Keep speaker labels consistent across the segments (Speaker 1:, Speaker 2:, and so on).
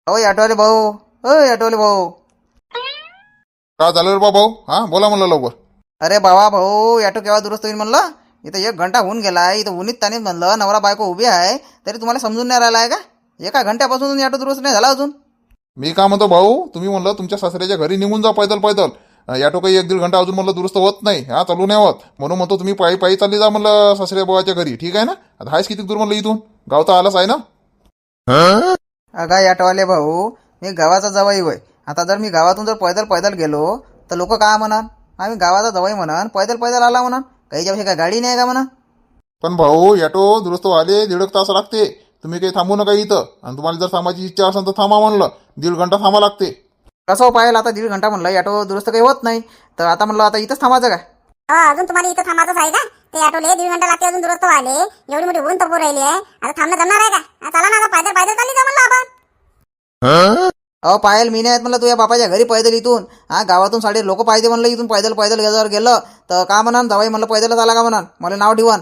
Speaker 1: अहो ऑटोवाले भाऊ, ओ ऑटोवाले भाऊ.
Speaker 2: का झालं रे बा भाऊ? हा बोला म्हणलं लवकर.
Speaker 1: अरे बाबा भाऊ, ऑटो केव्हा दुरुस्त होईल म्हणलं. इथं 1 घंटा होऊन गेला, इथं उन्हीत तानीत म्हणलं नवरा बायको उभी आहे, तरी तुम्हाला समजून नाही राहिला आहे का? एका घंट्यापासून ऑटो दुरुस्त नाही झाला अजून.
Speaker 2: मी का म्हणतो भाऊ, तुम्ही म्हणलं तुमच्या सासऱ्याच्या घरी निघून जा पैदल पैदल. ऑटो काही 1-1.5 घंटा अजून म्हणलं दुरुस्त होत नाही, हा चालू नाही होत. म्हणून म्हणतो तुम्ही पायी पायी चालली जा म्हणलं सासऱ्या भावाच्या घरी. ठीक आहे ना? आता हायच किती दूर म्हणलं इथून, गाव तर आलाच आहे ना.
Speaker 1: अगा ऑटोवाले भाऊ, मी गावाचा जवाई होय. आता जर मी गावातून जर पैदल पैदल गेलो तर लोक काय म्हणान? आम्ही गावाचा जवाई म्हणान, पैदल पैदल आला म्हणान. काहीच्यापेक्षा काय गाडी नाही का म्हणा.
Speaker 2: पण भाऊ ऑटो दुरुस्त व्हायला 1.5 तास लागते. तुम्ही काही थांबू नका इथं. आणि तुम्हाला जर थांबायची इच्छा असेल तर थांबा म्हणलं, 1.5 घंटा थांबा लागते.
Speaker 1: कसं पाहिलं आता 1.5 घंटा म्हणलं ऑटो दुरुस्त काही होत नाही, तर आता म्हणलं आता इथंच थांबायचं काय?
Speaker 3: अजून तुम्हाला इथं थांबायचं आहे का? ते ऑटोले 1.5 घंटा लागते अजून दुरुस्त व्हायले. एवढी मोठी ऊन तपू राहिली आहे, आता थांबणं जमणार आहे का? चला ना, आता पैदल पैदल चालली जा म्हणलं आपण.
Speaker 1: अहो पायल, मी नाही म्हणलं तुझ्या बापाच्या घरी पैदल इथून. हा गावातून साडे लोक पाहिजे म्हणलं इथून पैदल पैदल जर गेलं तर का म्हणान जवाई म्हणलं पैदलच आला का म्हणान, मला नाव ठेवान.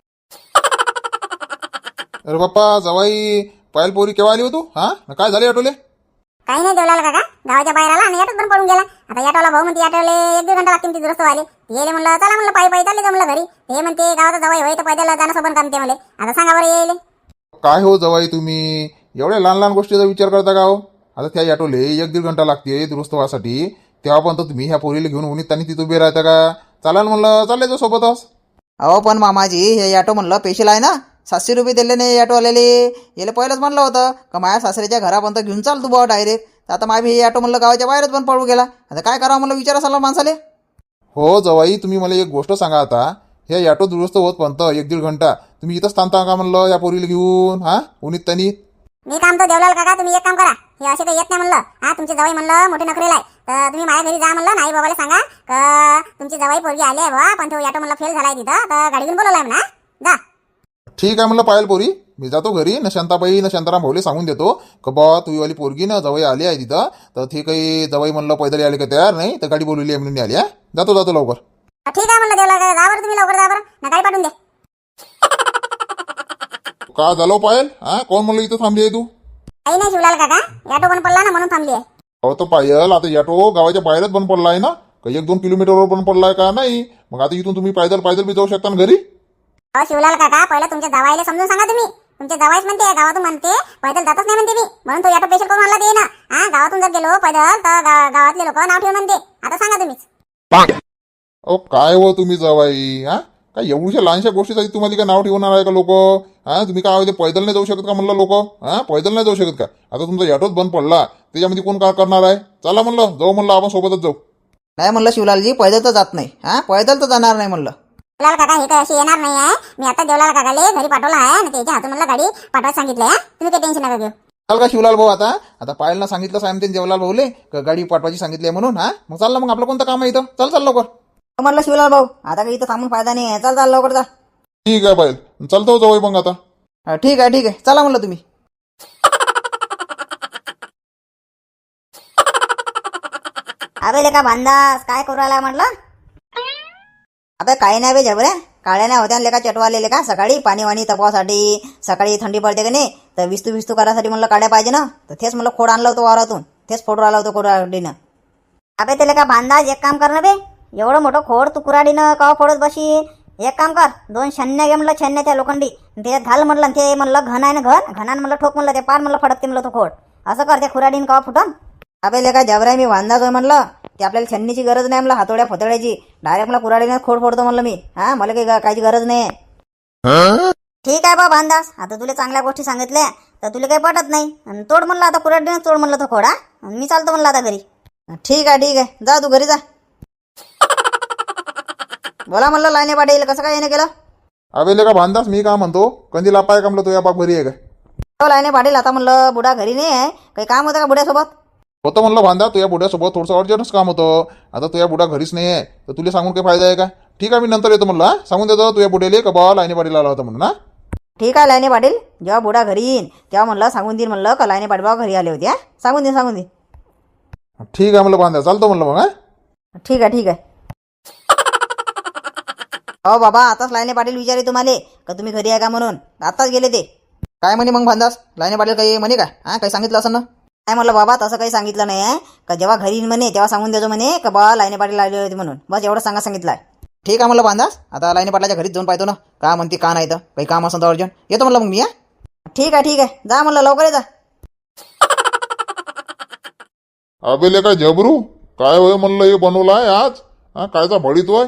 Speaker 2: अरे बाप्पा जवाई, पायल पोरी केव्हा आली हो तू? हा काय झाले ऑटोले?
Speaker 3: काही नाही देवलाल काका, गावाच्या बाहेर आला आणि ऑटोत पण पडून गेला. आता ऑटोला भाऊ म्हणते ऑटोले 1-1.5 घंटा लागतील ती दुरुस्त व्हायला. येले म्हणलं चला म्हणलं पायी पायी चालली जा म्हणलं घरी. हे म्हणते गावाचा जवाई होय तर पैदल जाणं सोबत कामते मला. आता सांगा बरं येईल.
Speaker 2: काय हो जवाई, तुम्ही एवढ्या लहान लहान गोष्टीचा विचार करता का हो? आता त्या ऑटोले 1-1.5 घंटा लागते दुरुस्त व्हायसाठी, तेव्हा पण तुम्ही ह्या पोरीला घेऊन उन्हीत त्यांनी तिथं उभे राहता का? चालाल म्हणलं चालले जो सोबतच.
Speaker 1: अहो पण मामाजी, हे ऑटो म्हणलं पेशल आहे ना, 700 रुपये दिले नाही ऑटोवाल्याले. याला पहिलंच म्हणलं होतं का माझ्या सासऱ्याच्या घरापर्यंत घेऊन चाल तू बुवा डायरेक्ट. आता माझी हे ऑटो म्हणलं गावाच्या बाहेरच पण पडू गेला. आता काय करावं म्हणलं, विचारा साला माणसाले.
Speaker 2: हो जवाई, तुम्ही मला एक गोष्ट सांगा. आता हे ऑटो दुरुस्त होत पण 1-1.5 घंटा तुम्ही इथंच थांबता का म्हणलं या पोरीला घेऊन? हा उन्हीत त्यांनी.
Speaker 3: मी काम तर देवलाल काका, तुम्ही एक काम करा. हे असे तर येत नाही म्हणलं. हा तुमचे जवाई म्हणलं मोठे नखरेला आहे, तर तुम्ही माझ्या घरी जा म्हणलं. नाही बाबाला सांगा का तुमची जवाई पोरगी आली आहे बा, पण तो ऑटो म्हणलं फेल झालाय तिथं, तर गाडी घेऊन बोलवलाय म्हणा. जा.
Speaker 2: ठीक आहे म्हणलं पायल पोरी, मी जातो घरी. न शांताबाई न शांताराम भाऊले सांगून देतो का बा तुझीवाली पोरगी ना जवाई आली आहे तिथं, तर ते काही जवाई म्हणलं पैदल आले का तयार नाही, तर गाडी बोलवली आहे म्हणून आली. हा जातो लवकर.
Speaker 3: ठीक आहे म्हणलं देवलाल काका, जा बरं तुम्ही लवकर जा बरं, ना गाडी पाठवून दे.
Speaker 2: का झालं पायल? हा कोण म्हणलं इथं थांबली आहे तू?
Speaker 3: काही नाही शिवलाल काका, ऑटो पण पडला ना म्हणून थांबली आहे.
Speaker 2: अहो तर पायल, आता ऑटो गावाच्या बाहेरच बंद पडला आहे ना, का 1-2 किलोमीटरवर बंद पडलाय का? नाही मग आता इथून तुम्ही पैदल पैदल बी जाऊ शकता ना घरी.
Speaker 3: अहो शिवलाल काका, पहिला तुमच्या जवाईला समजून सांगा तुम्ही. तुमच्या जवाईच म्हणते गावातून म्हणते पैदल जातच नाही म्हणते मी, म्हणून तो ऑटो पेशल करून आणला ते ना. हा गावातून जर गेलो पैदल तर गावातले लोक नाव ठेवून म्हणते. आता सांगा तुम्हीच.
Speaker 2: अहो काय हो तुम्ही जवाई, हा काय एवढ्या लहानशा गोष्टीसाठी तुम्हाला काय नाव ठेवणार आहे का लोक? हा तुम्ही काय होते पैदल नाही जाऊ शकत का म्हणलं लोक? हा पैदल नाही जाऊ शकत का? आता तुमचा ऑटोच बंद पडला, त्याच्यामध्ये कोण काय करणार आहे? चला म्हणलं जाऊ, म्हणलं आपण सोबतच जाऊ.
Speaker 1: नाही म्हणलं शिवलालजी, पैदल तर जात नाही. हा पैदल तर जाणार नाही म्हणलं.
Speaker 3: देवलाल काका हे काय अशी येणार नाही आहे. मी आता देवलाल काकाले घरी पाठवला आहे आणि त्याच्या हातून म्हणलं गाडी पाठवायला सांगितलं आहे. तुम्ही काही टेन्शन नका घेऊ.
Speaker 1: चाल का शिवलाल भाऊ, आता पायलनं सांगितलं साहेब त्यांनी देवलाल भाऊले का गाडी पाठवायची सांगितली आहे म्हणून. हा मग चाललं, मग आपलं कोणतं काम आहे इथं? चल लवकर म्हणलं शिवलाल भाऊ, आता काही इथं थांबून फायदा नाही आहे. चाल लवकर जा.
Speaker 2: ठीक आहे पायल, चालतो जवाई मग आता.
Speaker 1: ठीक आहे चला म्हणलं तुम्ही.
Speaker 3: अबे लेका भांदास काय करू राहिला म्हटलं?
Speaker 1: आता काही नाही बे झबऱ्या, काळ्या नाही होत्या लेका चटवालेले का. सकाळी पाणी वाणी तपवासाठी, सकाळी थंडी पडते का नाही, तर विस्तू करायसाठी म्हणलं काड्या पाहिजे ना, तर तेच म्हणलं खोड आणलं होतं वावरातून, तेच फोडून आलं होतं कुऱ्हाडीनं.
Speaker 3: अबे ते लेका भांदास एक काम कर ना बे, एवढं मोठं खोड तू कुऱ्हाडीनं कवा फोडत बशी. एक काम कर, 2 छन्न्या घे म्हणलं, छन्न्या त्या लोखंडी, त्याच्यात घाल म्हणलं. ते म्हणलं घन आहे ना, घनानं म्हणलं ठोक म्हणलं, ते पार म्हणलं फडकते म्हणलं तो खोड. असं कर, त्या कुऱ्हाडीनं कवा फुटन.
Speaker 1: अबे लेका झबऱ्या, मी वांदाच होय म्हणलं, ते आपल्याला छन्नीची गरज नाही म्हणलं, हातोड्या फतोड्याची. डायरेक्ट मला कुऱ्हाडीनं खोड फोडतो म्हणलं मी. हा मला काही गरज नाही.
Speaker 3: ठीक आहे बा भांदास, आता तुला चांगल्या गोष्टी सांगितल्या तर तुला काही पटत नाही. आणि तोड म्हणलं आता कुऱ्हाडीनं तोड म्हणलं तो खोड. हा मी चालतो म्हणलं आता घरी.
Speaker 1: ठीक आहे जा तू घरी जा. बोला म्हणलं लाईने पाटील, कसं काय येणं केलं?
Speaker 2: अबे का भांदास, मी काय म्हणतो, कंदी लापाय का म्हणलं तुझ्या बाप घरी आहे का?
Speaker 1: लाईने पाटील, आता म्हणलं बुडा घरी नाही आहे, काही काम होतं का बुड्यासोबत?
Speaker 2: होतं म्हणलं भांदा, तुझ्या बुड्यासोबत थोडंसं अर्जंटच काम होतं. आता तुझ्या बुडा घरीच नाही आहे, तर तुला सांगून काही फायदा आहे का? ठीक आहे मी नंतर येतो म्हणलं. सांगून देतो तुझ्या बुड्याले का बा लाईने पाटील आला होता म्हणून. ना
Speaker 1: ठीक आहे लाईने पाटील, जेव्हा बुडा घरी येईन तेव्हा म्हणलं सांगून देईन म्हणलं का लाईने पाटील बाबा घरी आले होते. सांगून दे.
Speaker 2: ठीक आहे म्हणलं भांदा, चालतो म्हणलं मग. हा
Speaker 1: ठीक आहे. हो बाबा, आताच लाईने पाटील विचारे तुम्हाला का तुम्ही घरी आहे का म्हणून. आताच गेले ते. काय म्हणे मग भांदास, लाईने पाटील काही म्हणे का? हा काही सांगितलं असं ना? काय म्हणलं बाबा तसं काही सांगितलं नाही आहे का जेव्हा घरी येईन म्हणे तेव्हा सांगून देतो म्हणे का बा लाईने पाटील आले होते म्हणून, बस एवढं सांगितलं आहे.
Speaker 4: ठीक आहे म्हणलं बांधास, आता लाईने पाटलाच्या घरीच जाऊन पाहतो ना का म्हणते का नाही तर काही काम असं तर अर्जंट येतो म्हणलं मग मी.
Speaker 1: ठीक आहे जा म्हणलं लवकर ये जा.
Speaker 2: अबे लेका जबरू, काय होय म्हणलं हे बनवलं आहे आज? हा कायचा भडीतोय?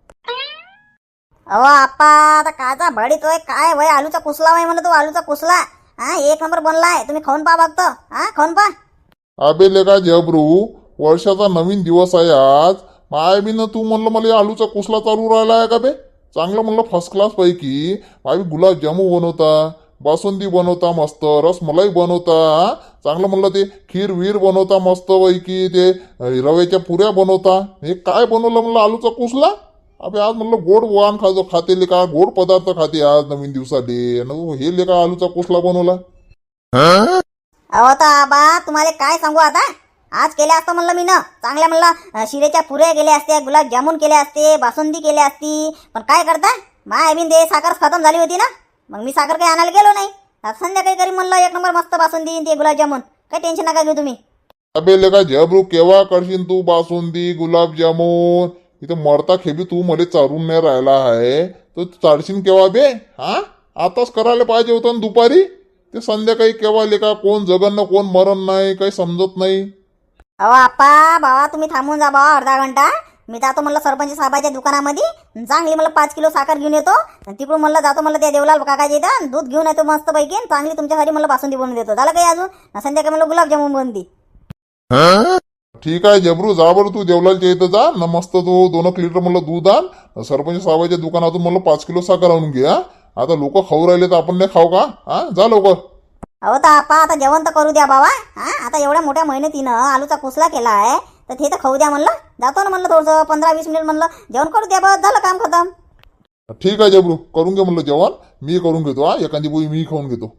Speaker 3: अहो आप्पा आता काचा भडीतोय काय वय आलूचा कुसला वय म्हणलं, तो आलूचा कुसला हा एक नंबर बनलाय. तुम्ही खाऊन पहा बघतो, हा खाऊन पहा.
Speaker 2: अबे लेका जबरू, वर्षाचा नवीन दिवस आहे आज. माय बी ना तू म्हणलं मला आलूचा कुसला चालू राहिला आहे का बे? चांगलं म्हणलं फर्स्ट क्लास पैकी माय गुलाबजामू बनवता, बासुंदी बनवता, मस्त रसमलाई बनवता, चांगलं म्हणलं ते खीर वीर बनवता मस्त पैकी, ते रव्याच्या पुऱ्या बनवता. हे काय बनवलं म्हणलं आलूचा कुसला? अबे आज म्हणलं गोड वाण खाते लेका, गोड पदार्थ खाते आज नवीन दिवसाले, हे लेका आलूचा कुसला बनवला.
Speaker 3: अहो आता आबा तुम्हाला काय सांगू आता, आज केल्या असतं म्हणलं मी ना चांगल्या म्हणलं शिरेच्या पुऱ्या केल्या असत्या, गुलाबजामुन केले असते, बासुंदी केली असती. पण काय करता माय बिन दे साखर खतम झाली होती ना, मग मी साखर काही आणायला गेलो नाही. आज संध्याकाळी करी म्हणलं एक नंबर मस्त बासुंदी ते गुलाबजामुन, काही टेन्शन नका घेऊ तुम्ही.
Speaker 2: अबे लेका जबरू, केव्हा करशील तू बासुंदी गुलाबजामुन? इथं मरता खेबी तू मला चारून नाही राहिला आहे तर चारशील केव्हा बे? हा आताच करायला पाहिजे होतं ना दुपारी, ते संध्याकाळी केव्हा लेका? कोण जगन ना कोण मरण नाही, काही समजत नाही.
Speaker 3: अहो आप्पा बाबा तुम्ही थांबून जा बाबा अर्धा घंटा, मी जातो म्हणलं सरपंच साहेबाच्या दुकानामध्ये, चांगली मला 5 किलो साखर घेऊन येतो. तिकडून म्हणलं जातो म्हणलं त्या देवलाल काकाच्या इथं दूध घेऊन येतो मस्त पैकी, चांगली तुमच्यासाठी म्हणलं बासुंदी बनवून देतो. झालं काही अजून? संध्याकाळी म्हणलं गुलाबजामुन बनती.
Speaker 2: ठीक आहे जबरू, जा बरं तू देवलालच्या इथं जा ना, मस्त तू 2 लिटर म्हणलं दूध आण, सरपंच साहेबाच्या दुकानातून म्हणलं 5 किलो साखर आणून घे. आता लोक खाऊ राहिले तर आपण नाही खाऊ का? हा जा लवकर.
Speaker 3: अहो तर आप्पा आता जेवण तर करू द्या बाबा. हा आता एवढ्या मोठ्या मेहनतीनं आलूचा कुसला केला आहे तर ते तर खाऊ द्या म्हणलं. जातो ना म्हणलं थोडंसं 15-20 मिनिट म्हणलं जेवण करू द्या, बस झालं काम खतम.
Speaker 2: ठीक आहे जबरू, करून घे म्हणलं जेवण, मी करून घेतो. हा एखादी पोळी मी खाऊन घेतो.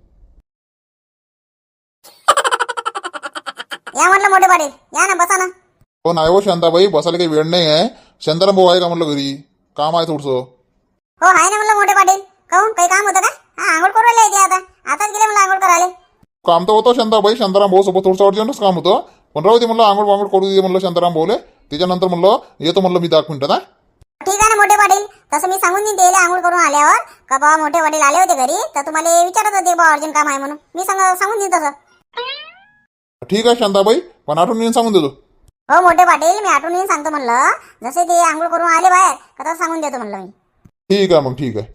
Speaker 3: या म्हणलं मोठे पाटील, या ना बसा ना.
Speaker 2: हो नाही हो शांताबाई, बसायला काही वेळ नाही आहे. शांताराम भाऊ आहे का म्हणलं घरी? काम आहे थोडंसं.
Speaker 3: हो आहे ना म्हणलं मोठे पाटील. काहून काही काम होतं का? हा आंघोळ करू राहिले ते आताच गेले म्हणलं आंघोळ करायला.
Speaker 2: काम तर होतं शांताबाई, शांताराम भाऊ सोबत थोडंसं अर्जंटच काम होतं, पण राहू दे म्हणलं आंघोळ वांघोळ करू दे म्हणलं शांताराम भाऊले, त्याच्यानंतर म्हणलं येतो म्हणलं मी 10 मिनिटात.
Speaker 3: ठीक आहे ना मोठे पाटील, तसं मी सांगून देईन त्याला आंघोळ करून आल्यावर का बाबा मोठे पाटील आले होते घरी तर तुम्हाला विचारत होते बा अर्जंट काम आहे म्हणून, मी सांगून देईन तसं.
Speaker 2: ठीक आहे शांताबाई, पण आठवण येऊन सांगून देतो.
Speaker 3: हो मोठे पाटील, मी आठवण येऊन सांगतो म्हणलं, जसे ते आंघोळ करून आले बाहेर का तसं सांगून देतो म्हणलं मी.
Speaker 2: ठीक आहे मग, ठीक आहे.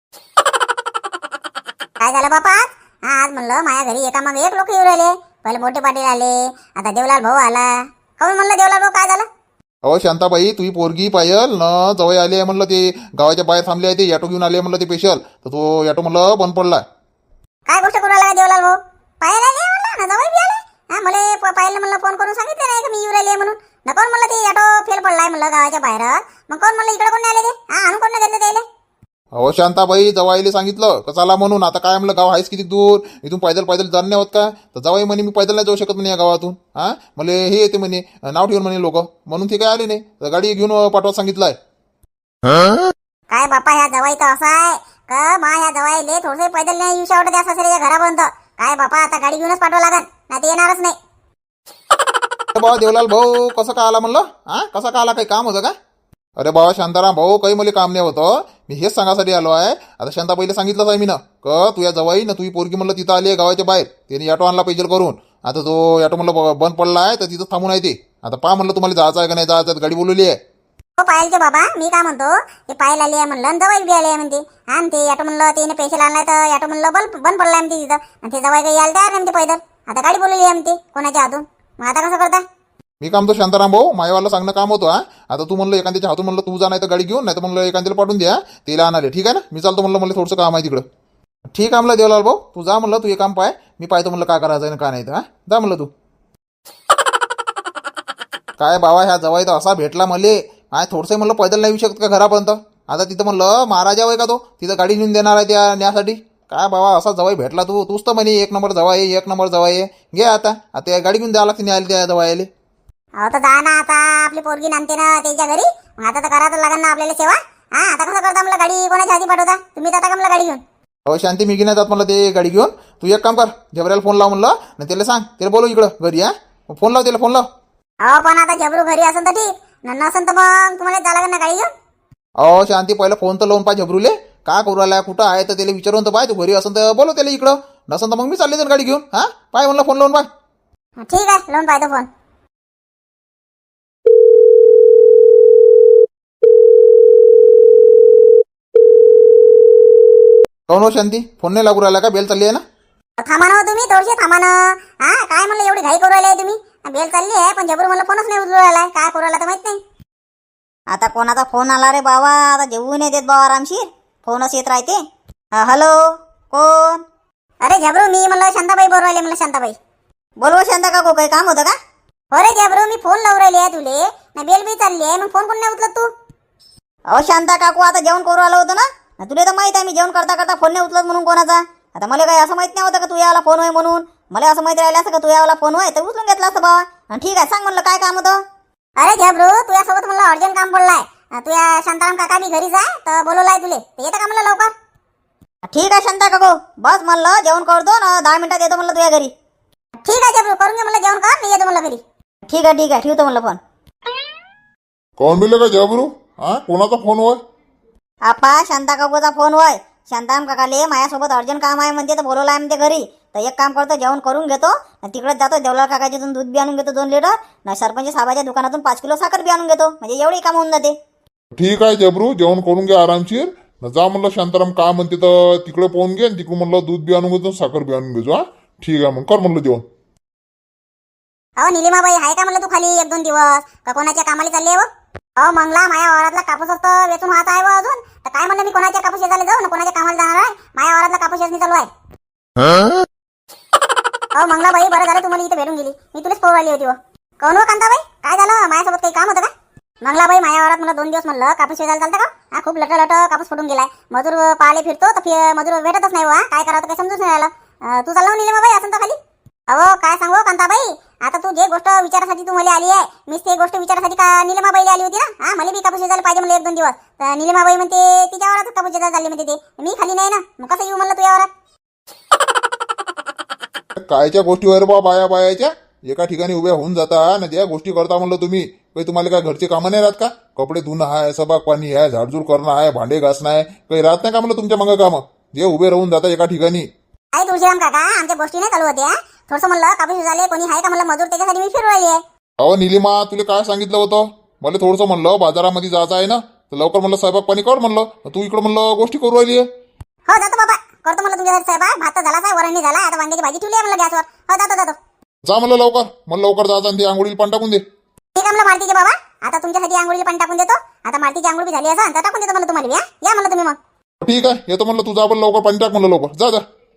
Speaker 3: काय झालं बापा? आज म्हणलं माझ्या घरी एका मग एक लोक येऊ राहिले. पहिले मोठे पाटील आले, आता देवलाल भाऊ आला. काहून म्हणलं देवलाल भाऊ काय झालं?
Speaker 2: अहो शांताबाई, तुझी पोरगी पायल न जवळ आली आहे म्हणलं, ते गावाच्या बाहेर थांबले आहे, ते ऑटो घेऊन आले म्हणलं ते स्पेशल, तर तो ऑटो म्हणलं बंद पडला.
Speaker 3: काय गोष्ट करू लागला देवलाल भाऊ? पायल आले म्हणलं ना, जवळ बी आले. हा मला पायल म्हणलं फोन करून सांगितलं नाही का मी येऊ राहिले म्हणून. न कोण म्हणलं ते ऑटो फेल पडलाय म्हणलं गावाच्या बाहेर, मग कोण म्हणलं इकडे कोण नाही आले ते? हा आणून कोण नाही घेतलं त्याला?
Speaker 2: अहो शांताबाई, जवाईले सांगितलं का चला म्हणून, आता काय म्हणलं गाव आहेच किती दूर, इथून पैदल जाणं नाही होत का? तर जवाई म्हणे मी पैदल नाही जाऊ शकत म्हणे या गावातून. हा मला हे येते म्हणे, नाव ठेवून म्हणे लोक, म्हणून ते काय आले नाही, तर गाडी घेऊन पाठवत सांगितलंय.
Speaker 3: काय बापा ह्या जवाई तर असा आहे का मा ह्या जवाईले थोडसे पैदल नाही येऊ शकत त्या सासऱ्याच्या घरापर्यंत. काय बापा आता गाडी घेऊनच पाठवा लागत, नाही ते येणारच नाही.
Speaker 2: बाबा देवलाल भाऊ कसं का आला म्हणलं? हा कसा का आला? काही काम होतं का? अरे बाबा शांताराम भाऊ, काही मला काम नाही होतं, मी हेच सांगासाठी आलो आहे. आता शांताबाईला सांगितलंच आहे मी ना का तुझ्या जवाई ना तुझी पोरगी म्हणलं तिथं आली आहे गावाच्या बाहेर, त्याने ऑटो आणला पैदल करून. आता तो ऑटो म्हणलं बंद पडला आहे तर तिथं थांबून आहे ते. आता पहा म्हणलं तुम्हाला जायचं आहे का नाही जायचं, गाडी बोलवली आहे.
Speaker 3: हो पायलचे बाबा, मी काय म्हणतो ते पायल आली आहे म्हणलं, जवाई बी आली आहे म्हणते. आणि ते ऑटो म्हणलं त्याने पैसे आणलाय तर ऑटो म्हणलं बंद पडलाय म्हणते तिथं, आणि ते जवाई काही यायला तयार नाही म्हणते पैदल. आता गाडी बोलवली आहे म्हणते कोणाच्या हातून, मग आता कसं करता?
Speaker 2: मी काम तो शांताराम भाऊ मायवाला सांगणं काम होतं. हा आता तू म्हणलं एखाद्याच्या हातून म्हणलं तू जा, नाही तर गाडी घेऊन, नाही तर म्हणलं एखाद्याला पाठवून द्या, तिला आणले. ठीक आहे ना, मी चालतो म्हणलं, मला थोडंसं काम आहे तिकडं. ठीक आहे म्हणलं देवलाल भाऊ, तू जा म्हणलं, तू हे काम पाय, मी पाहतो म्हणलं काय करायचं आहे का नाही. तर हा जा म्हणलं तू. काय बाबा ह्या जवाई तर असा भेटला मले, काय थोडंसं म्हणलं पैदल नाही येऊ शकत का घरापर्यंत? आता तिथं म्हणलं महाराजा वय का तो, तिथं गाडी घेऊन देणार आहे त्या न्यासाठी. काय बाबा असा जवाई भेटला तूच तर म्हणे एक नंबर जवाई आहे. घे आता गाडी घेऊन द्यावं लागते न्यायला त्या जवाईले.
Speaker 3: अहो तर जा ना, आता आपली पोरगी नांदते ना त्याच्या घरी, मग आता तर करायचं लागेल ना आपल्याला सेवा. हा आता कसं करता म्हणलं, गाडी कोणाच्या हाती पाठवता तुम्ही? आता का म्हणलं गाडी घेऊन?
Speaker 4: अहो शांती मी नाही जात म्हणलं ते गाडी घेऊन. तू एक काम कर, झबऱ्याला फोन लाव म्हणलं आणि त्याला सांग, त्याला बोलव इकडं घरी. फोन लाव त्याला, फोन लाव.
Speaker 3: अहो पण आता झबरू घरी असेल तर ठीक, नसेल तर मग तुम्हाला जायला लागेल ना गाडी घेऊन.
Speaker 4: अहो शांती पहिलं फोन तर लावून पाय झबरूले, का करू राहिला कुठं आहे तर त्याला विचारून तर पाय. तू घरी असेल तर बोलव त्याला इकडं, नसेल तर मग मी चालले तर गाडी घेऊन. पाय म्हणलं फोन लावून पाय.
Speaker 3: ठीक आहे, लावून पाहतो फोन.
Speaker 4: काऊन हो शांती, फोन नाही लागू राहिला का? बेल चालली आहे ना?
Speaker 3: थांबा ना हो तुम्ही, थोडीशी थांबा ना. काय म्हणलं एवढी घाई करू राहिलाय तुम्ही? बेल चालली आहे पण झबरू म्हणलं फोनच नाही उचलू राहिलाय. काय करू राहिला तर माहित नाही.
Speaker 1: आता कोणाचा फोन आला रे बाबा? आता जेवू नाही देत बाबा आरामशीर, फोनच येत राहते. हॅलो, कोण?
Speaker 3: अरे झबरू, मी म्हणलं शांताबाई बोलू राहिले. म्हणलं शांताबाई.
Speaker 1: बोलवा शांता काकू, काही काम होतं का?
Speaker 3: हो रे झबरू, मी फोन लावून राहिले आहे तुले ना, बेल बी चालली आहे, मग फोन कोण नाही उचलत तू?
Speaker 1: अहो शांता काकू, आता जेवण करू आलो होतं ना, तुला तर माहित आहे मी जेवण करता करता फोन नाही उचलत म्हणून कोणाचा. आता मला काही असं माहित नाही होतं का तू याला फोन होय म्हणून. मला असं माहिती राहिलं असं का तू याला फोन होय तर उचलून घेतला असतं बाबा. ठीक आहे, सांग म्हणलं काय काम होतं.
Speaker 3: अरे झबरू, तुझ्यासोबत म्हणलं अर्जंट काम पडलाय. तुझ्या शांताराम काका बी घरीच आहे तर बोलवलाय तुले, तर येतं का म्हणलं लवकर?
Speaker 1: ठीक आहे शांता काकू, बस म्हणलं जेवण करतो ना, 10 मिनिटात येतो म्हणलं तुझ्या घरी.
Speaker 3: ठीक आहे झबरू, करून घे म्हणलं जेवण कर, मी येतो म्हणलं घरी.
Speaker 1: ठीक आहे, ठेवतो म्हणलं फोन.
Speaker 2: कोण मिळलं का झबरू? कोणाचा फोन होय?
Speaker 1: आपा शांता काकूचा फोन होय. शांताराम काकाले माझ्यासोबत अर्जंट काम आहे म्हणते तर बोलवलाय म्हणते घरी. तर एक काम करतो, जेवण करून घेतो, तिकडे जातो देवलाल काकाच्यातून दूध बी आणून घेतो 2 लिटर, ना सरपंच साहेबाच्या दुकानातून 5 किलो साखर बी आणून घेतो, म्हणजे एवढी काम होऊन जाते.
Speaker 2: ठीक आहे झबरू, जेवण करून घे आरामशीर. जा म्हणलं शांताराम का म्हणते तर तिकडे पाहून घे, तिकडून म्हणलं दूध बी आणून घेतो, साखर बी आणून घेतो. ठीक आहे, मग कर म्हणलं जेवण.
Speaker 3: अहो निलिमाबाई आहे का म्हणलं तू खाली 1-2 दिवस, का कोणाच्या कामाला चालली आहे? अहो मंगला, माझ्या वावरातला कापूस असतं वेचून वाहत आहे व अजून, तर काय म्हणलं मी कोणाच्या कापूस शेजारी जाऊ ना, कोणाच्या कामाला जाणार आहे? माझ्या वावरातला कापूस शेजणी चालू आहे. अहो मंगलाबाई, बरं झालं तुम्हाला इथे भेटून गेली, मी तुलाच पोर आली होती. कोण हो कांताबाई, काय झालं? माझ्यासोबत काही काम होतं का? मंगलाबाई, माझ्या वावरात मला 2 दिवस म्हणलं कापूस शेजायला चालतं का? खूप लट कापूस फुटून गेलाय. मजूर पाहायला फिरतो तर मजूर भेटतच नाही. काय करावं काही समजूच नाही राहिलं. तू चालला निलिमाबाई असं तर खाली? अहो काय सांगू कांताबाई, आता तू जे गोष्ट विचारासाठी तू मला आली आहे, मीच ते गोष्ट विचारासाठी का निलिमाबाईला आली होती ना. मला बी कापूस शेजायला पाहिजे म्हणलं 1-2 दिवस, तर निलिमाबाई म्हणते तिच्या वावरात कापूस शेजायला चालली म्हणते. ते मी खाली नाही ना, मग कसं येऊ म्हणलं तुझ्या वावरात?
Speaker 2: कायच्या गोष्टीवर बा बायाच्या एका ठिकाणी उभ्या होऊन जाता ना, ज्या गोष्टी करता म्हणलं तुम्ही, काही तुम्हाला काय घरचे कामं नाही राहत का? कपडे धुणं आहे, सबाग पाणी आहे, झाडझूड करणं आहे, भांडे घासणं आहे, काही राहत नाही का म्हणलं तुमच्या मग कामं, जे उभे राहून जाता एका ठिकाणी?
Speaker 3: काय तुळशीराम काका, आमच्या गोष्टी नाही चालू होत्या. थोडंसं म्हणलं कापूस शेजायला कोणी आहे का म्हणलं मजूर, त्याच्यासाठी मी फिरू राहिली आहे.
Speaker 2: अहो निलिमा, तुला काय सांगितलं होतं? मला थोडंसं म्हणलं बाजारामध्ये जायचं आहे ना, तर लवकर म्हणलं स्वयंपाक पाणी कर म्हणलं, तू इकडं म्हणलं गोष्टी करू राहिली आहे.
Speaker 3: हो जातो बाबा, करतो म्हणलं तुमच्यासाठी स्वयंपाक. भात तर झालाच आहे, वरण झाला, आता वांग्याची भाजी ठेवली आहे म्हणलं गॅसवर. हो जातो.
Speaker 2: जा म्हणलं लवकर, मला लवकर जायचं आणि ती आंघोळीला पाणी टाकून दे.
Speaker 3: ठीक आहे म्हणलं मालतीचे बाबा, आता तुमच्यासाठी आंघोळीला पाणी टाकून देतो. आता मालतीची आंघोळ बी झाली असं तर टाकून देतो म्हणलं तुम्हाला. या म्हणलं तुम्ही मग.
Speaker 2: ठीक आहे, येतो म्हणलं, तू जा पण लवकर पाणी टाक म्हणलं लवकर, जा.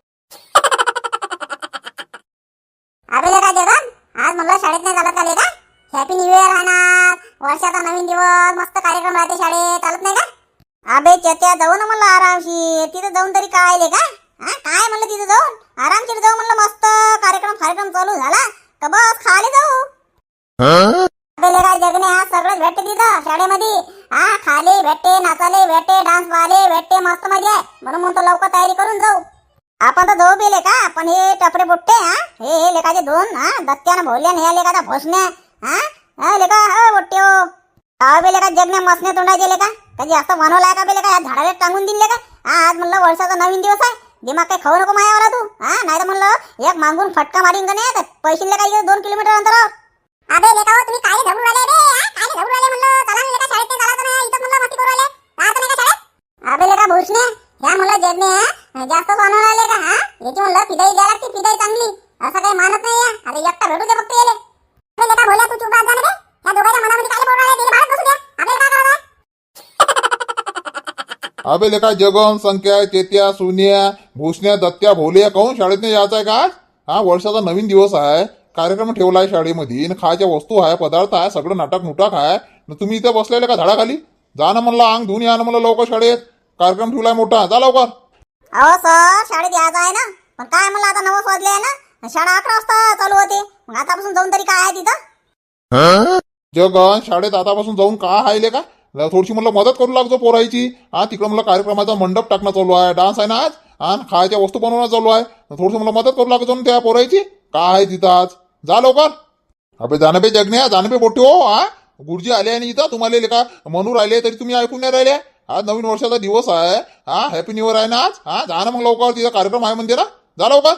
Speaker 3: अरे काय जगन, आज म्हणलं शाळेत नाही चालत का लेका? हॅपी न्यू इयर राहणार, वर्षाचा नवीन दिवस, मस्त कार्यक्रम राहते शाळेत, चालत नाही का? अबे चत्या, जाऊ ना म्हणलं आरामशीर. तिथं जाऊन तरी काय लेका? काय म्हणलं तिथं जाऊन आरामशीर जाऊ म्हणलं, मस्त कार्यक्रम चालू झाला का बस खाली जाऊ. अबे लेका जगने, आज सगळंच भेटते तिथं शाळेमध्ये. खाले भेटते, नाचाले भेटते, डान्स वाले भेटते, मस्त मजा आहे. म्हणून म्हणतो लवकर तयारी करून जाऊ. आपण तर जाऊ बेले का, पण हे टपरे बुट्टे हे लेकाचे 2 दत्त्यानं भोल्यान, हे लेकाचा भोसण्या लेका बुट्टे हो. बेले का जगण्या मसने तोंडाचे लेका, कधी असं बनवलाय का बेले का? या झाडाला टांगून दिले का? आज म्हणलं वर्षाचा नवीन दिवस आहे, दिमाग काही खाऊ नको मायावर तू. नाही तर म्हणलं एक मागून फटका मारीन का नाही, पैसे लेका 2 किलोमीटर अंतरावर. अबे लेका हो, तुम्ही काय घाबरून राहिले रे? काय घाबरून राहिले म्हणलं? चला ना लेका, शाळेत नाही चालत नाही, इथं म्हणलं मस्ती करू राहिले, राहत नाही का शाळेत? अबे लेका भोसण्या, ह्या म्हणलं जगने जास्त बनवून राहिले का? याची म्हणलं फिदाई द्यायला लागते, फिदाई चांगली, असं काही मानत नाही. आता एकटा भेटू दे फक्त येले. अबे लेका भोल्या, तू चुप राहत जा रे. ह्या दोघांच्या मनामध्ये काय बोलू राहिले? बाहेर बसू द्या, आपल्याला काय करायचं?
Speaker 2: अबे लेका जगन, संख्या, चेत्या, सोनिया, भूषण्या, दत्त्या, भोल्या, काहून शाळेत नाही यायचं आहे का? वर्षाचा नवीन दिवस आहे, कार्यक्रम ठेवला आहे शाळेमध्ये, खायच्या वस्तू आहे, पदार्थ आहे, सगळं नाटक नुटक आहे. तुम्ही इथे बसलेले का झाडाखाली? जा ना म्हणलं, अंग धुवून या ना म्हणलं लवकर, शाळेत कार्यक्रम ठेवलाय मोठा, जा लवकर.
Speaker 3: अहो सर, शाळेत यायचं आहे ना, पण काय म्हणलं आता 9 वाजले आहे ना, शाळा 11 वाजता चालू होते. मग आतापासून जाऊन तरी काय आहे तिथं?
Speaker 2: जगन, शाळेत आतापासून जाऊन का हायले का? थोडीशी म्हणलं मदत करू लागतो पोरायची. तिकडं म्हणलं कार्यक्रमाचा मंडप टाकणं चालू आहे, डान्स आहे ना आज. आणि खायच्या वस्तू बनवणं चालू आहे थोडंसं मला मदत करू लागतो ना त्या पोरायची काय आहे तिथं आज जा लवकर अबे जानबे जगण्या जानबे मोठे हो हा गुरुजी आले आणि इथं तुम्हाला लेका म्हणू राहिले तरी तुम्ही ऐकून नाही राहिले आज नवीन वर्षाचा दिवस आहे हा हॅपी न्यू इयर आहे ना आज हा जा ना मग लवकर तिथं कार्यक्रम आहे म्हणजे ना जा लवकर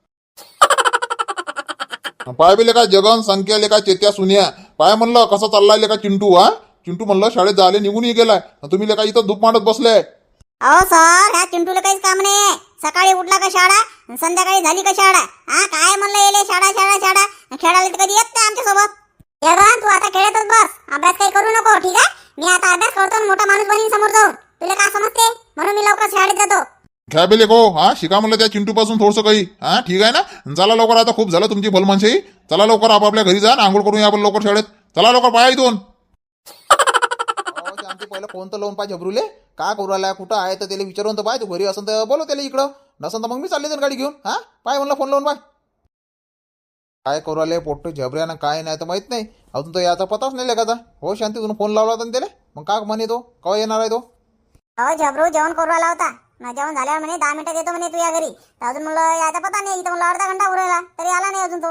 Speaker 2: पाय बी लेका जगन संख्या लेका चेत्या सुन्या पाय म्हणलं कसं चाललाय लेका चिंटू हा चिंटू म्हणलं शाळेत जायला निघूनही गेलाय तुम्ही लेका इथं धूप मांडत बसले
Speaker 3: अहो सर ह्या चिंटूला काहीच काम नाही सकाळी उठला का शाळा संध्याकाळी झाली का शाळा हा काय म्हणलं येले शाळा शाळा शाळा खेळायला तर कधी येत नाही आमच्या सोबत तू आता खेळतच बस अभ्यास काही करू नको ठीक आहे मी आता अभ्यास करतो आणि मोठा माणूस बनीन समोर जाऊन तुला काय समजते म्हणून मी लवकर शाळेत जातो
Speaker 2: काय बे लेको हा शिका म्हणलं त्या चिंटू पासून थोडंसं काही हा ठीक आहे ना चला लवकर आता खूप झालं तुमची भलमानशाही चला लवकर आपापल्या घरी जा आंघोळ करून या आपण लवकर शाळेत चला लवकर पाया इथून
Speaker 4: आमचे पहिलं फोन तर लावून पाय झबरूले का करू राहिला कुठं आहे तर त्याला विचारून तर पाय तू घरी असं तर बोलव त्याला इकडं नसन तर मग मी चालले तर गाडी घेऊन हा पाय म्हणलं फोन लावून पाय काय करू राहिले पोट्ट झबऱ्या ना काय नाही तर माहित नाही अजून तर याचा पताच नाही लेखाचा हो शांती तुला फोन लावला होता त्याला मग का म्हणे तो केव्हा येणार आहे तो
Speaker 3: अहो झबरू जेवण करू आला होता ना जेवण झाल्यावर म्हणे 10 मिनिटात येतो म्हणे तू या घरी तर अजून म्हणलं याचा पता नाही इथं म्हणलं अर्धा घंटा उरला तरी आला नाही अजून तो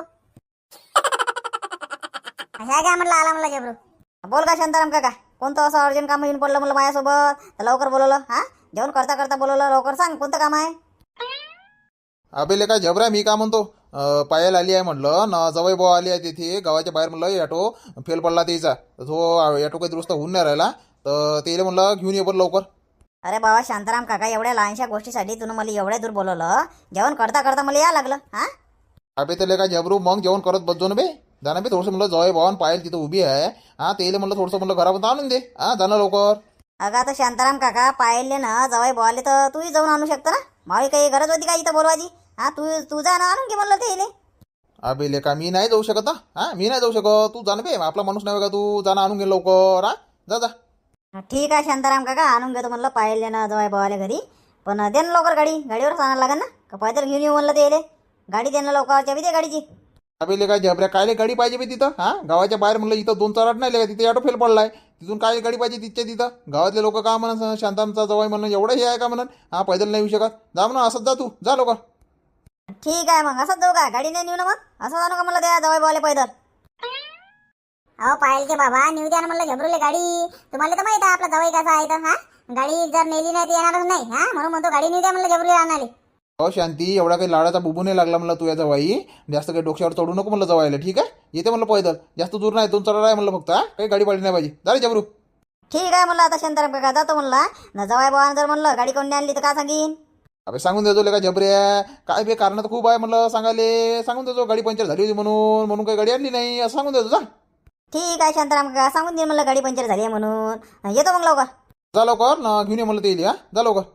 Speaker 3: ह्या काय म्हटलं आला म्हणलं झबरू
Speaker 1: बोल का शांताराम काका कोणतं असं अर्जंट काम येऊन पडलं म्हणलं माझ्यासोबत तर लवकर बोलवलं हा जेवण करता करता बोलवलं लवकर सांग कोणतं काम आहे
Speaker 4: अबे लेका झबऱ्या मी का म्हणतो पायल आली आहे म्हणलं न जवळ भाऊ आली आहे तिथे गावाच्या बाहेर म्हणलं ॲटो फेल पडला त्याचा तो ॲटो काही दुरुस्त होऊन नाही राहिला तर त्याला म्हणलं घेऊन ये बरं लवकर
Speaker 1: अरे बाबा शांताराम काका एवढ्या लहानशा गोष्टीसाठी तुम्ही मला एवढ्या दूर बोलवलं जेवण करता करता मला या लागलं हा
Speaker 4: अबे तर लेका झबरू मग जेवण करत बसजो ना बे जाणं बे थोडंसं म्हणलं जवळ भावान पायल तिथं उभी आहे हा त्याला म्हणलं थोडंसं म्हणलं घरापर्यंत आणून दे हा जाणं लवकर
Speaker 1: अगं आता शांताराम काका पाहिले ना जवाई बोवाले तर तूही जाऊन आणू शकतो ना मावी काही गरज होती का इथं बोलवायची हा तू जा ना आणून घे म्हणलं ते इले
Speaker 4: अबे लेका मी नाही जाऊ शकत ना हा मी नाही जाऊ शकत तू जाणं बे आपला माणूस नाही का तू जाणं आणून घे लवकर हा जा जा
Speaker 1: ठीक आहे शांताराम काका आणून घेतो म्हणलं पाहिले ना जवाई बोवाले घरी पण दे ना लवकर गाडीवरच आणायला लागेल ना का पैदल घेऊन येऊ म्हणलं ते इले गाडी दे ना लवकर चाबी दे गाडीची
Speaker 4: अबे लेका झबऱ्या कायले गाडी पाहिजे बे तिथं हा गावाच्या बाहेर म्हणलं इथं 2-4 आठ नाही लेका तिथे ऑटो फेल पडलाय तिथून काय गाडी पाहिजे तिथच्या तिथं गावातले लोक का म्हणून शांतामचा जवळ म्हणून एवढं हे आहे का म्हणून हा पैदल नाही येऊ शकत जा म्हणून असंच जा तू जा लवकर
Speaker 1: ठीक आहे मग असंच जाऊ का गाडी नाही नेऊ ना मग असं जाणू का मला त्या जवाई बोवाले पैदल
Speaker 3: अहो पायल के बाबा नेऊ द्या ना म्हणलं झबरूले गाडी तुम्हाला तर माहित आहे आपला जवळ कसा आहे तर हा गाडी जर नेली नाही तर येणारच नाही हा म्हणून म्हणतो गाडी नेऊ द्या म्हणलं झबरूले आणाले
Speaker 4: हो शांती एवढा काही लाडाचा बुबू नाही लागला म्हणलं तू या जवाई जास्त काही डोक्यावर चढू नको म्हणलं जवायला ठीक आहे येते म्हणलं पैदल जास्त दूर नाही 2-4 आहे म्हणलं फक्त हा काही गाडी पाडी नाही पाहिजे जा रे जबरू
Speaker 1: ठीक आहे म्हणलं आता शांताराम काका जातो म्हणला ना जवाई बोवाने जर म्हणलं गाडी कोणी आणली तर का सांगीन
Speaker 4: अबे सांगून देतो लेका झबऱ्या काय बे कारण तर खूप आहे म्हणलं सांगाले सांगून देतो गाडी पंक्चर झाली होती म्हणून काही गाडी आणली नाही असं सांगून देतो जा
Speaker 1: ठीक आहे शांताराम काका सांगून दे म्हणलं गाडी पंक्चर झाली आहे म्हणून येतो मग लवकर
Speaker 4: जा लवकर ना घेऊन ये म्हणलं ते येईल हा जा लवकर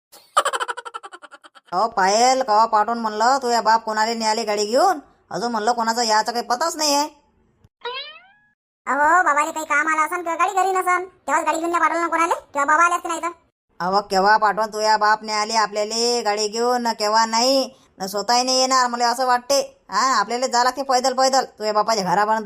Speaker 1: अहो पायल कवा पाठवून म्हणलं तू या बाप कोणाला न्यायला गाडी घेऊन अजून म्हणलं कोणाचा याचा काही पताच नाही आहे
Speaker 3: अहो बाबाले काही काम आलं असन किंवा गाडी घरी नसन तेव्हाच गाडी घेऊन पाठवलं ना कोणाले किंवा बाबा आले असते नाही तर
Speaker 1: अहो केव्हा पाठवून तू या बापने आली आपल्याला गाडी घेऊन ना केव्हा नाही ना स्वतःही नाही येणार मला असं वाटते हा आपल्याला जा लागते पैदल पैदल तू या बापाच्या घरापर्यंत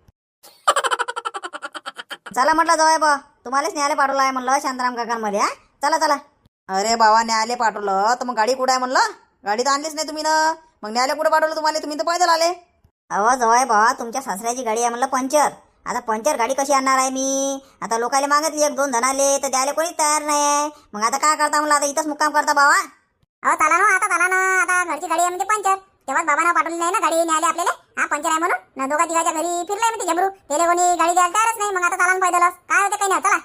Speaker 1: चला म्हटलं जवाय बा तुम्हालाच न्यायला पाठवलं आहे म्हणलं शांताराम काकांमध्ये हा चला चला अरे बाबा न्यायला पाठवलं तर मग गाडी कुठं आहे म्हणलं गाडी तर आणलीच नाही तुम्ही ना मग न्यायला कुठं पाठवलं तुम्हाला तुम्ही तर पैदल आले अहो जवाय बा तुमच्या सासऱ्याची गाडी आहे म्हणलं पंचर आता पंचर गाडी कशी आणणार आहे मी आता लोकायला मागितली 1-2 जणाले तर द्यायला कोणीच तयार नाही आहे मग आता काय करता म्हणलं आता इथंच मुक्काम करता बाबा
Speaker 3: अहो चला ना आता घरची गाडी आहे म्हणजे पंचर तेव्हाच बाबांना पाठवली नाही ना गाडी न्यायला आपल्याला हा पंचर आहे म्हणून ना दोघा तिघाच्या घरी फिरलाय म्हणते झबरू त्याला कोणी गाडी द्यायला तयारच नाही मग आता चला ना पैदलच काय होते काही नाही चला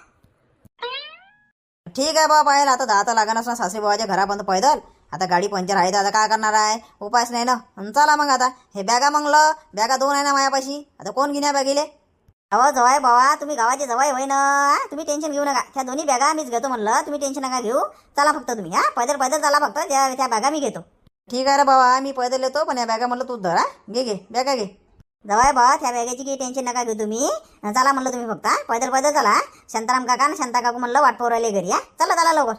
Speaker 1: ठीक आहे बाबा पाहिलं आता जाता लागणार ना सासरी बाबाच्या घरापर्यंत पैदल आता गाडी पंचर आहे तर आता काय करणार आहे उपायच नाही ना चला मग आता हे बॅगा मंगलं बॅगा 2 आहे ना मायापाशी आता कोण घेण्या बॅगीले अहो जवाय बाबा तुम्ही गावाचे जवाय होय ना तुम्ही टेन्शन घेऊ नका त्या दोन्ही बॅगा मीच घेतो म्हणलं तुम्ही टेन्शन नका घेऊ चला फक्त तुम्ही हा पैदल चला फक्त त्या बॅगा मी घेतो ठीक आहे रे बाबा मी पैदल येतो पण या बॅगा म्हणलं तू धरा घे बॅगा घे जवाय बाबा त्या बॅगाची काही टेन्शन नका घेऊ तुम्ही चला म्हणलं तुम्ही फक्त पैदल चला शांताराम काका ना शांता काकू म्हणलं वाट पोरायले घरी हा चला लवकर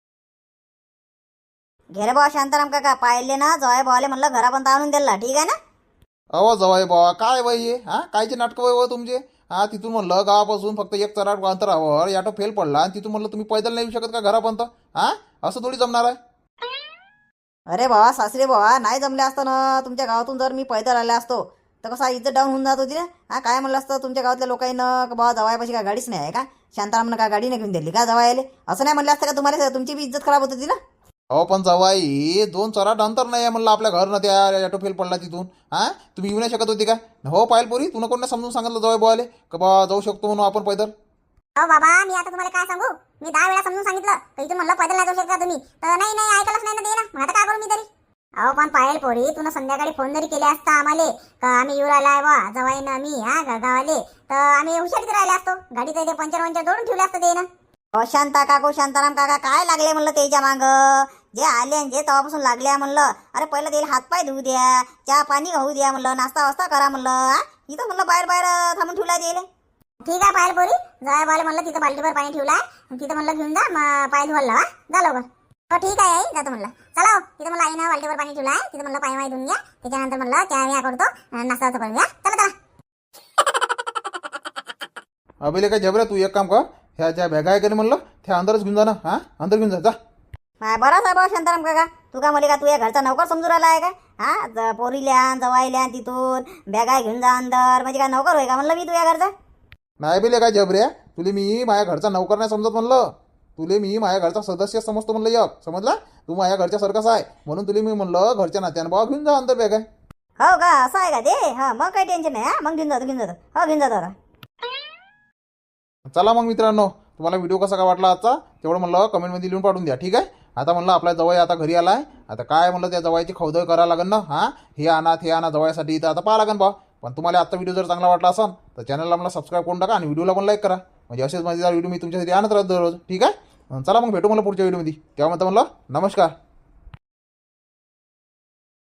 Speaker 1: घे रे बाबा शांताराम काका पाहिले ना जवाय बाबाले म्हणलं घरापर्यंत आणून दिला ठीक आहे ना
Speaker 4: अहो जवाई बाबा काय वय हे हा कायचे नाटकं वय तुमचे हा तिथून म्हणलं गावापासून फक्त 1 चराट अंतरावर ॲटो फेल पडला आणि तिथून म्हणलं तुम्ही पैदल नाही येऊ शकत का घरापर्यंत हा असं थोडी जमणार आहे
Speaker 1: अरे बाबा सासरे बाबा नाही जमले असतं ना तुमच्या गावातून जर मी पैदल आले असतो तर कसा इज्जत डाऊन होऊन जात होती ना. हा काय म्हणलं असतं तुमच्या गावातल्या लोकांना का बाबा जवायपाशी काय गाडीच नाही आहे का, शांतारामनं का गाडीने घेऊन दिली का जवायले, असं नाही म्हणलं असतं का तुम्हाला, तुमची बी इज्जत खराब होत होती ना.
Speaker 4: अहो पण जवाई 2 चराट अंतर नाही आहे म्हणलं आपल्या घरनं, त्या ऑटो फेल पडला तिथून. हा तुम्ही येऊ नाही शकत होती का? हो पायल पोरी, तुला कोण समजून सांगितलं जवाई बोवाले का बा जाऊ शकतो म्हणून आपण पैदल?
Speaker 3: अहो बाबा मी आता तुम्हाला काय सांगू, मी 10 वेळा समजून सांगितलं तर इथून म्हणलं पैदल नाही जाऊ शकता तुम्ही, तर नाही ऐकलंच नाही ना ते ना. मग आता काय करू मी तरी? अहो पण पायल पोरी, तुला संध्याकाळी फोन जरी केले असता आम्हाला का आम्ही येऊ राहिलाय बा जवाईनं आम्ही गावाले, तर आम्ही हुशारीत राहिले असतो. गाडी तर पंचर जोडून ठेवले असतं ते ना. शांता काकू शांताराम काका काय लागले म्हणलं त्याच्या माग, जे आले आणि जे तेव्हापासून लागले म्हणलं. अरे पहिलं त्याला हातपाय धुवू द्या, चहा पाणी होऊ द्या म्हणलं, नाश्ता वास्ता करा म्हणलं. इथं म्हणलं बाहेर थांबून ठेवला त्याला. ठीक आहे पायल पोरी, जाय बाले म्हणलं तिथं बाल्टीभर पाणी ठेवलाय, तिथं म्हणलं घेऊन जा पाय धुवायला लावा, जा लवकर. हो ठीक आहे आई, जातो म्हणलं. चला हो, तिथं म्हणलं आईनं बाल्टीभर पाणी ठेवलाय, तिथं म्हणलं पाय धुवून घ्या, त्याच्यानंतर म्हणलं चहा मी करतो, नाश्ता करून घ्या. चला.
Speaker 4: अभिले काय जबऱ्या, तू एक काम कर, ह्या ज्या बॅगा आहे का म्हणलं त्या अंदरच घेऊन जा ना. हा अंदर घेऊन जा.
Speaker 1: बरं साहेब शांताराम काका, तू का मला का तू या घरचा नौकर समजून राहिला आहे का? पोरील्या जवाईल्या तिथून बॅगा घेऊन जा अंदर, म्हणजे काय नौकर होय का म्हणलं मी तू या घरचा?
Speaker 4: नाही बिले काय जबऱ्या, तुले मी माझ्या घरचा नौकर नाही समजत म्हणलं, तुले मी माझ्या घरचा सदस्य समजतो म्हणलं. एक समजला, तू माझ्या घरच्या सारखाच आहे म्हणून तुले मी म्हणलं घरच्या नात्यानं बाबा घेऊन जा अंदर बॅगा.
Speaker 1: हो का, असं आहे का ते? हा मग काही टेन्शन नाही. मग घेऊन जातो हो घेऊन जातो आता.
Speaker 4: चला मग मित्रांनो, तुम्हाला व्हिडिओ कसा काय वाटला आजचा तेवढं म्हणलं कमेंटमध्ये लिहून पाठवून द्या. ठीक आहे. आता म्हणलं आपल्या जवळ आता घरी आलाय, आता काय म्हणलं त्या जवळची खवदळ करायला लागेल ना. हे आणा जवळसाठी इथं आता पाहा लागेल बा. पण तुम्हाला आजचा व्हिडिओ जर चांगला वाटला असेल तर चॅनलला मला सबस्क्राईब करून टाका आणि व्हिडिओला पण लाईक करा, म्हणजे असेच मजेदार व्हिडिओ मी तुमच्यासाठी आणत राहतो दररोज. ठीक आहे. चला मग भेटू मला पुढच्या व्हिडिओमध्ये, तेव्हा म्हणलं नमस्कार.